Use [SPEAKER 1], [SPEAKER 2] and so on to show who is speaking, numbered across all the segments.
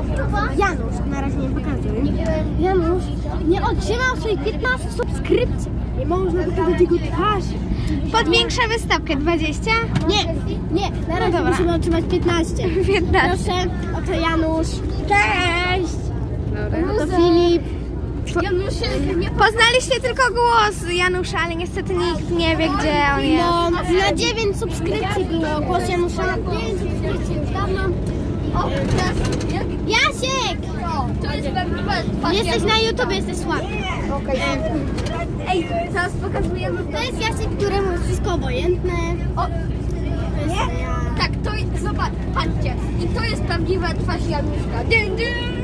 [SPEAKER 1] Janusz, na razie nie pokazuję. Janusz nie otrzymał swoich 15 subskrypcji. Nie można pokazać jego twarzy.
[SPEAKER 2] Podwiększamy stawkę 20?
[SPEAKER 1] Nie, na razie musimy otrzymać 15.
[SPEAKER 2] 15.
[SPEAKER 1] Proszę, oto Janusz.
[SPEAKER 2] Cześć!
[SPEAKER 1] Oto Filip.
[SPEAKER 2] Poznaliście tylko głos Janusza, ale niestety nikt nie wie, gdzie on jest.
[SPEAKER 1] No, na 9 subskrypcji było głos Janusza. 9 subskrypcji już dawno.
[SPEAKER 3] O,
[SPEAKER 1] Jasiek!
[SPEAKER 3] to jest pewnie
[SPEAKER 1] Jesteś na YouTube, jesteś słaby.
[SPEAKER 3] Ej, teraz pokazujemy.
[SPEAKER 1] To jest Jasiek, któremu jest wszystko obojętne.
[SPEAKER 3] O,
[SPEAKER 1] To jest ja.
[SPEAKER 3] tak, to jest, zobacz, patrzcie. I to jest prawdziwa twarz Januszka. Dyn, dyn.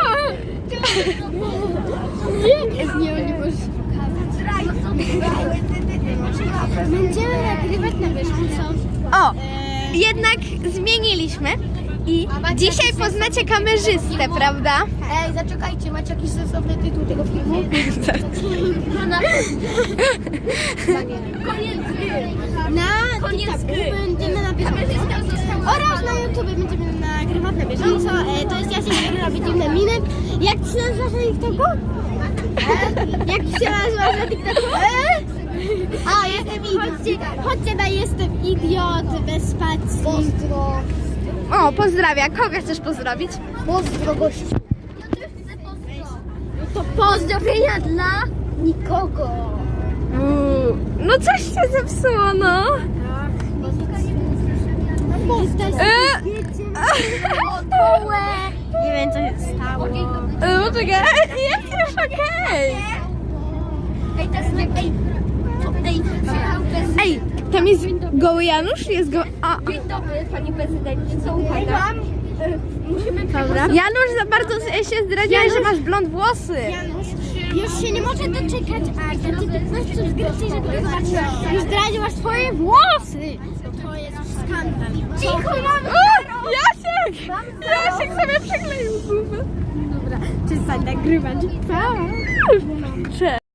[SPEAKER 1] Nie możesz Będziemy nagrywać na bieżąco.
[SPEAKER 2] O! Jednak zmieniliśmy i dzisiaj poznacie kamerzystę, prawda?
[SPEAKER 3] Ej, zaczekajcie, macie jakiś sensowny tytuł tego filmu? Koniec gry.
[SPEAKER 1] Na
[SPEAKER 3] Koniec
[SPEAKER 1] TikToku
[SPEAKER 3] gry.
[SPEAKER 1] będziemy na bieżąco.
[SPEAKER 3] Kamerzysta został
[SPEAKER 1] Oraz na YouTube będziemy nagrywać na bieżąco. To jest Jasiek, który robi dziwne miny. Jak ci się nazywasz na TikToku? Jak ci się nazywasz na TikToku? A, jestem idiot. Chodźcie na Jestem Idiot bez spacji.
[SPEAKER 3] Pozdro.
[SPEAKER 2] O, pozdrawia. Kogo chcesz pozdrowić?
[SPEAKER 3] Pozdro, gościu. To pozdrowienia dla nikogo.
[SPEAKER 2] No coś się zepsuło, no.
[SPEAKER 1] Nie wiem, co się stało.
[SPEAKER 2] Poczekaj, jest już okej.
[SPEAKER 3] Ej, to jest nie...
[SPEAKER 2] Ej, tam jest goły Janusz? Jest go...
[SPEAKER 3] Dzień dobry, pani prezydencie, co uwaga? Musimy
[SPEAKER 2] Dobra. Janusz, za bardzo się zdradziłeś, że masz blond włosy.
[SPEAKER 1] Janusz, już się nie może doczekać, aż da ci 15 subskrypcji, żeby to zobaczyć. Już zdradziłaś swoje włosy. To jest skandal.
[SPEAKER 3] Cicho, mamy!
[SPEAKER 2] O, Jasiek! Jasiek sobie przykleił zubę.
[SPEAKER 1] Dobra, przestań nagrywać.
[SPEAKER 2] Cześć.